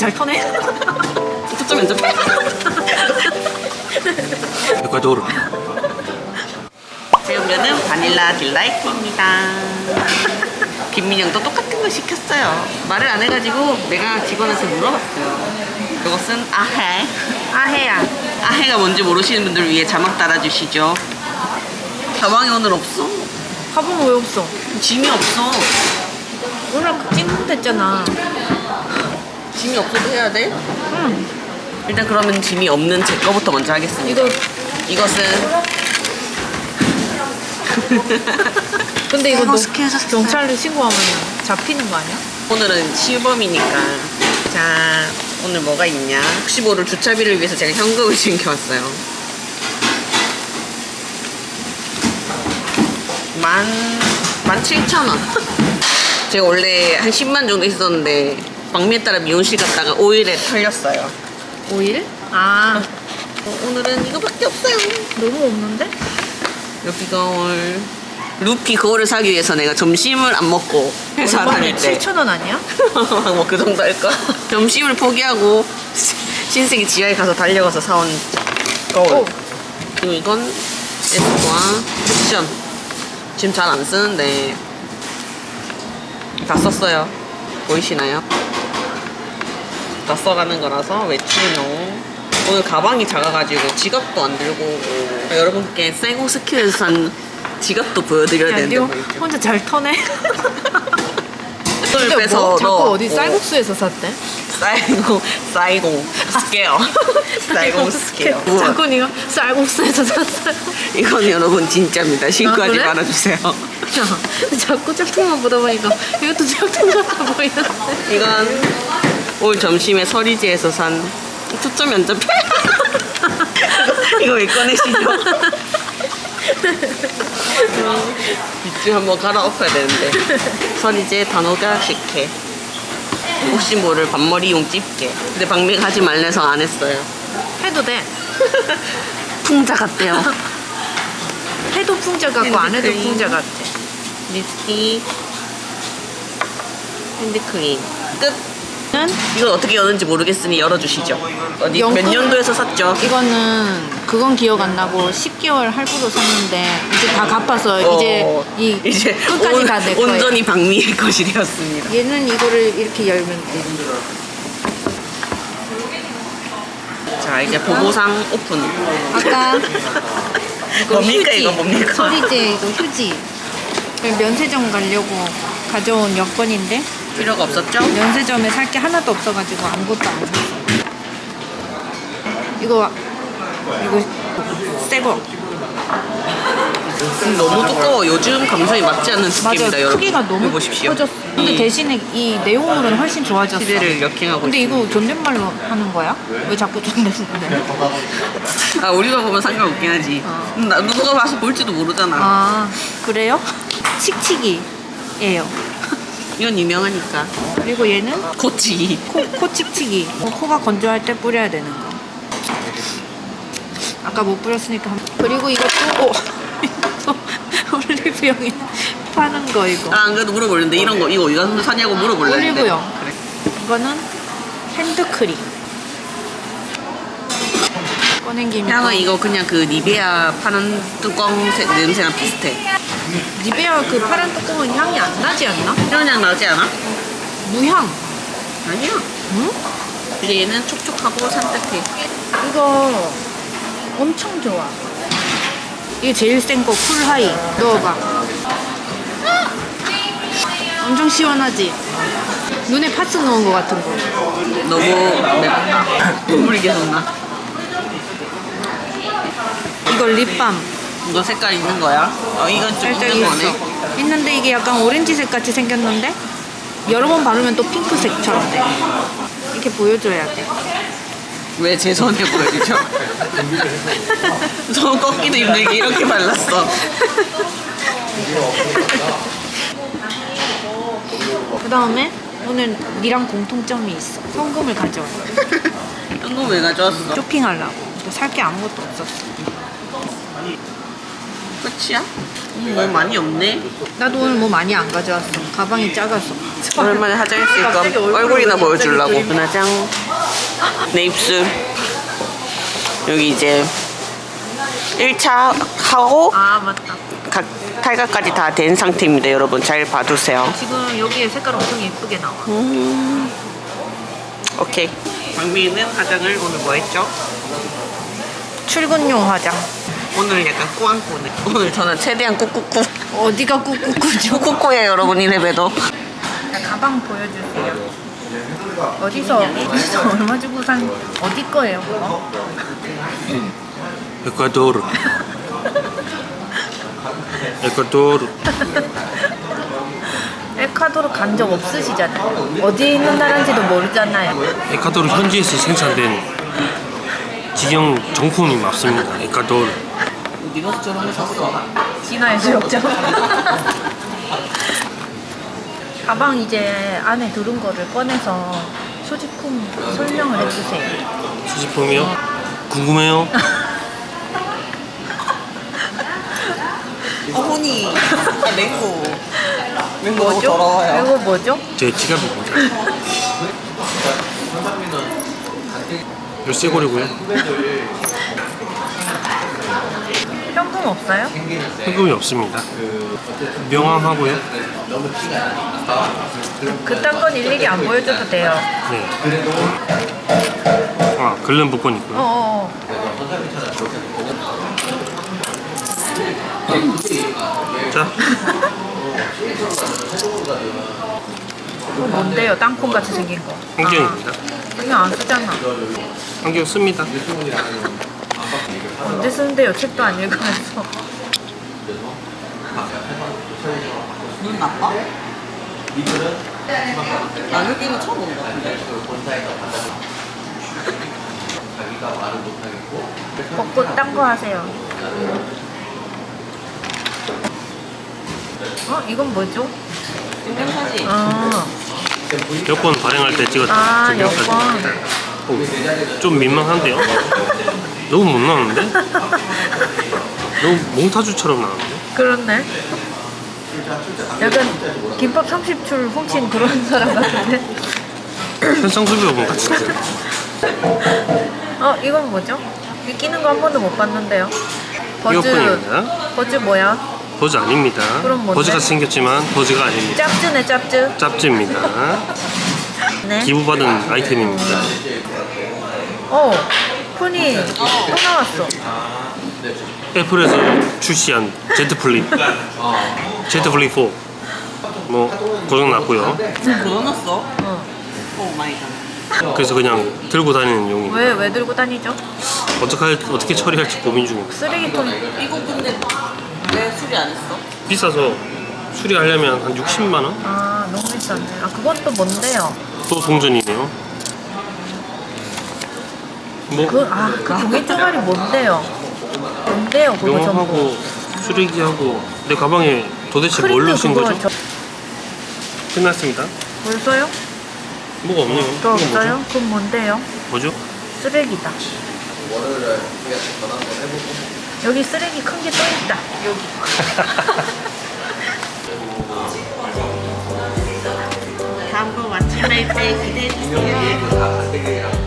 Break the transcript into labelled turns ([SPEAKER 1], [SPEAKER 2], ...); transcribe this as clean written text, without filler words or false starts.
[SPEAKER 1] 잘 터네.
[SPEAKER 2] 초점 연습해. 에콰도르. 제 음료는 바닐라 딜라이트입니다. 김민영도 똑같은 거 시켰어요. 말을 안 해가지고 내가 직원한테 물어봤어요. 이것은 아해.
[SPEAKER 1] 아해야.
[SPEAKER 2] 아해가 뭔지 모르시는 분들 위해 자막 달아주시죠. 자막이 오늘 없어.
[SPEAKER 1] 가보면 왜 없어?
[SPEAKER 2] 짐이 없어.
[SPEAKER 1] 오늘 찍으면 됐잖아.
[SPEAKER 2] 짐이 없어도 해야 돼?
[SPEAKER 1] 응.
[SPEAKER 2] 일단 그러면 짐이 없는 제 거부터 먼저 하겠습니다. 이것은
[SPEAKER 1] 근데 이거 너
[SPEAKER 2] 스케줄
[SPEAKER 1] 경찰에 신고하면 잡히는 거 아니야?
[SPEAKER 2] 오늘은 시범이니까. 자, 오늘 뭐가 있냐? 혹시 모를 주차비를 위해서 제가 현금을 챙겨왔어요. 17,000원. 제가 원래 한 10만 정도 있었는데 방미에 따라 미용실 갔다가 5일에 털렸어요.
[SPEAKER 1] 5일? 아,
[SPEAKER 2] 오늘은 이거밖에 없어요.
[SPEAKER 1] 너무 없는데?
[SPEAKER 2] 루피 거울. 루피 거울을 사기 위해서 내가 점심을 안 먹고 회사 다닐 때
[SPEAKER 1] 7,000원 아니야?
[SPEAKER 2] 뭐 그 정도 할까? 점심을 포기하고 신세계 지하에 가서 달려가서 사온 거울.
[SPEAKER 1] 오.
[SPEAKER 2] 그리고 이건 에스쁘아 쿠션. 지금 잘 안 쓰는데 다 썼어요. 보이시나요? 다 써가는 거라서 외출용. 오늘 가방이 작아가지고 지갑도 안 들고 오고. 여러분께 쇠고스키에서 산 지갑도 보여드려야
[SPEAKER 1] 야,
[SPEAKER 2] 되는데
[SPEAKER 1] 니
[SPEAKER 2] 보이죠?
[SPEAKER 1] 혼자 잘 터네.
[SPEAKER 2] 이걸
[SPEAKER 1] 근데
[SPEAKER 2] 빼서
[SPEAKER 1] 뭐 자꾸
[SPEAKER 2] 넣어.
[SPEAKER 1] 어디 쌀국수에서 샀대?
[SPEAKER 2] 쌀공 스퀘어. 쌀공 스퀘어.
[SPEAKER 1] 자꾸 니가 쌀국수에서 샀어요.
[SPEAKER 2] 이건 여러분 진짜입니다. 신고하지
[SPEAKER 1] 그래?
[SPEAKER 2] 말아주세요.
[SPEAKER 1] 야, 자꾸 짝퉁만 보다 보니까 이것도 짝퉁 같아 보이는데.
[SPEAKER 2] 이건 올 점심에 서리지에서 산 초점 연접해. 이거 왜 꺼내시죠? 밑줄 한번 갈아엎어야 되는데. 서리지의 단호가 식혜. 혹시 모를 반머리용 집게. 근데 박미가 하지 말래서 안 했어요.
[SPEAKER 1] 해도 돼.
[SPEAKER 2] 풍자 같대요.
[SPEAKER 1] 해도 풍자 같고 안 해도
[SPEAKER 2] 핸드크림.
[SPEAKER 1] 풍자 같아.
[SPEAKER 2] 립스틱, 핸드크림. 끝.
[SPEAKER 1] 는
[SPEAKER 2] 이건 어떻게 여는지 모르겠으니 열어주시죠. 어디 몇
[SPEAKER 1] 영국-
[SPEAKER 2] 년도에서 샀죠?
[SPEAKER 1] 이거는 그건 기억 안 나고 10개월 할부로 샀는데 이제 다 갚아서 이제 끝까지 다 내 거예요.
[SPEAKER 2] 온전히 박미의 것이 되었습니다.
[SPEAKER 1] 얘는 이거를 이렇게 열면 돼.
[SPEAKER 2] 자, 이제 보보상 오픈.
[SPEAKER 1] 아까 이거
[SPEAKER 2] 뭡니까,
[SPEAKER 1] 휴지,
[SPEAKER 2] 이거 뭡니까?
[SPEAKER 1] 서리제 이거 휴지. 면세점 가려고 가져온 여권인데
[SPEAKER 2] 필요가 없었죠?
[SPEAKER 1] 면세점에 살 게 하나도 없어가지고 아무것도 안 샀어. 이거 새거.
[SPEAKER 2] 너무 두꺼워. 요즘 감성이 맞지 않는
[SPEAKER 1] 맞아.
[SPEAKER 2] 두께입니다, 여러분.
[SPEAKER 1] 크기가 너무
[SPEAKER 2] 여기 보십시오.
[SPEAKER 1] 커졌어. 근데 대신에 이 내용물은 훨씬 좋아졌어.
[SPEAKER 2] 시대를 역행하고
[SPEAKER 1] 근데
[SPEAKER 2] 있습니다.
[SPEAKER 1] 이거 존댓말로 하는 거야? 왜 자꾸 존댓말해?
[SPEAKER 2] 아, 우리가 보면 상관없긴 하지. 누가 봐서 볼지도 모르잖아.
[SPEAKER 1] 아, 그래요? 칙칙이에요.
[SPEAKER 2] 이건 유명하니까.
[SPEAKER 1] 그리고 얘는
[SPEAKER 2] 코치.
[SPEAKER 1] 코 칙칙이. 코가 건조할 때 뿌려야 되는 거. 아까 못 뿌렸으니까. 그리고 이것도 올리브영에 파는 거 이거.
[SPEAKER 2] 아, 안 그래도 물어보려는데 이런 거 이거 어디서 사냐고 물어보려는데.
[SPEAKER 1] 올리브영.
[SPEAKER 2] 그래.
[SPEAKER 1] 이거는 핸드크림. 꺼낸 김에
[SPEAKER 2] 향은 이거 그냥 그 니베아 파는 뚜껑 냄새랑 비슷해.
[SPEAKER 1] 니베아 그 파란 뚜껑은 향이 안 나지 않나?
[SPEAKER 2] 이런 향 나지 않아?
[SPEAKER 1] 무향.
[SPEAKER 2] 아니야.
[SPEAKER 1] 응?
[SPEAKER 2] 근데 얘는 촉촉하고 산뜻해.
[SPEAKER 1] 이거 엄청 좋아. 이게 제일 센 거 쿨하이. 넣어봐. 엄청 시원하지? 눈에 파스 넣은 거 같은 거.
[SPEAKER 2] 너무 맵다. 눈물이 계속 나.
[SPEAKER 1] 이거 립밤.
[SPEAKER 2] 이거 색깔 있는 거야? 이건 좀
[SPEAKER 1] 살짝
[SPEAKER 2] 있는
[SPEAKER 1] 있어.
[SPEAKER 2] 거네.
[SPEAKER 1] 있는데 이게 약간 오렌지색 같이 생겼는데 여러 번 바르면 또 핑크색처럼 돼. 이렇게 보여줘야 돼.
[SPEAKER 2] 왜 제 손에 보여주죠? 손 꺾기도 힘들게 이렇게 발랐어.
[SPEAKER 1] 그 다음에 오늘 니랑 공통점이 있어. 현금을 가져와.
[SPEAKER 2] 이거 왜 가져왔어?
[SPEAKER 1] 쇼핑하려고. 살 게 아무것도 없었어.
[SPEAKER 2] 끝이야? 뭐 많이 없네.
[SPEAKER 1] 나도 오늘 뭐 많이 안 가져왔어. 가방이 작아서.
[SPEAKER 2] 오랜만에 화장했으니까
[SPEAKER 1] 갑자기
[SPEAKER 2] 얼굴이나
[SPEAKER 1] 갑자기
[SPEAKER 2] 보여주려고.
[SPEAKER 1] 그림.
[SPEAKER 2] 눈화장, 내 입술. 여기 이제 1차 하고
[SPEAKER 1] 아 맞다.
[SPEAKER 2] 각 탈각까지 다 된 상태입니다. 여러분 잘 봐두세요.
[SPEAKER 1] 지금 여기에 색깔 엄청 예쁘게 나와.
[SPEAKER 2] 오케이. 광민이는 화장을 오늘 뭐 했죠?
[SPEAKER 1] 출근용 화장.
[SPEAKER 2] 오늘 약간 꾸안꾸네. 오늘 저는 최대한 꾹꾹꾹.
[SPEAKER 1] 어디가 꾹꾹꾹죠?
[SPEAKER 2] 꾹꾹꾹해요 여러분 이래봬도.
[SPEAKER 1] 가방 보여주세요. 어디서 얼마 주고 산 어디 거예요? 그거?
[SPEAKER 3] 에콰도르. 에콰도르.
[SPEAKER 1] 에콰도르 간 적 없으시잖아요. 어디에 있는 나라인지도 모르잖아요.
[SPEAKER 3] 에콰도르 현지에서 생산된 직영 정품이 맞습니다. 에콰도르.
[SPEAKER 2] 네가 저런 거 샀어.
[SPEAKER 1] 진화에서 역적. 가방 이제 안에 들은 거를 꺼내서 소지품 설명을 해주세요.
[SPEAKER 3] 수집품이요? 궁금해요?
[SPEAKER 2] 어머니. 맹고. 맹고 너무
[SPEAKER 1] 뭐죠?
[SPEAKER 2] 더러워요.
[SPEAKER 1] 이거 뭐죠?
[SPEAKER 3] 제 지갑입니다. 이거 쇠고리고요.
[SPEAKER 1] 현금 없어요?
[SPEAKER 3] 현금이 없습니다. 명함하고요.
[SPEAKER 1] 그딴 건 일일이 안 보여줘도 돼요.
[SPEAKER 3] 네. 아, 글름 복권 있고요.
[SPEAKER 1] 어어.
[SPEAKER 3] 자,
[SPEAKER 1] 이거 뭔데요? 땅콩 같이 생긴 거.
[SPEAKER 3] 안경입니다.
[SPEAKER 1] 아, 이거 안 쓰잖아.
[SPEAKER 3] 안경 씁니다.
[SPEAKER 1] 언제 쓰는데요? 책도 안 읽으면서.
[SPEAKER 2] 눈 나빠? 나 여기는 처음 온다.
[SPEAKER 1] 벚꽃 딴 거 하세요. 이건 뭐죠?
[SPEAKER 2] 증명사진.
[SPEAKER 1] 아,
[SPEAKER 3] 여권 발행할 때 찍었던
[SPEAKER 1] 아
[SPEAKER 3] 증명사진.
[SPEAKER 1] 여권.
[SPEAKER 3] 좀 민망한데요? 너무 못 나오는데? 너무 몽타주처럼 나오는데?
[SPEAKER 1] 그렇네. 약간 김밥 30줄 훔친 그런 사람 같은데.
[SPEAKER 3] 현상수배분 같은데?
[SPEAKER 1] 이건 뭐죠? 이 끼는 거 한 번도 못 봤는데요. 버즈.
[SPEAKER 3] 이어폰입니다.
[SPEAKER 1] 버즈 뭐야?
[SPEAKER 3] 버즈 아닙니다.
[SPEAKER 1] 그럼 뭔데?
[SPEAKER 3] 버즈같이 생겼지만 버즈가 아닙니다.
[SPEAKER 1] 짭즈네 짭즈.
[SPEAKER 3] 짭지입니다.
[SPEAKER 1] 네.
[SPEAKER 3] 기부받은 아이템입니다.
[SPEAKER 1] 폰이 또 나왔어.
[SPEAKER 3] 애플에서 출시한 Z 플립, Z 플립 4. 뭐 고장 났고요.
[SPEAKER 2] 고장났어?
[SPEAKER 1] 어.
[SPEAKER 2] 오 마이 갓.
[SPEAKER 3] 그래서 그냥 들고 다니는 용이.
[SPEAKER 1] 왜 들고 다니죠?
[SPEAKER 3] 어떻게 처리할지 고민 중입니다.
[SPEAKER 1] 쓰레기통.
[SPEAKER 2] 이거 근데 왜 수리 안 했어?
[SPEAKER 3] 비싸서 수리하려면 한 60만 원?
[SPEAKER 1] 아 너무 비싸네. 아 그건 또 뭔데요?
[SPEAKER 3] 또 동전이네요. 뭐
[SPEAKER 1] 그 종이 쪼가리 뭔데요? 뭔데요 그거 전부?
[SPEAKER 3] 명함하고 쓰레기하고 내 가방에 도대체 뭘 넣으신
[SPEAKER 1] 그거
[SPEAKER 3] 거죠? 끝났습니다.
[SPEAKER 1] 벌써요?
[SPEAKER 3] 뭐가 없네요.
[SPEAKER 1] 또
[SPEAKER 3] 이거
[SPEAKER 1] 없어요? 그럼 뭔데요?
[SPEAKER 3] 뭐죠?
[SPEAKER 1] 쓰레기다. 여기 쓰레기 큰 게 또 있다. 여기.
[SPEAKER 2] 다음 거 마침날 때 기대해주세요.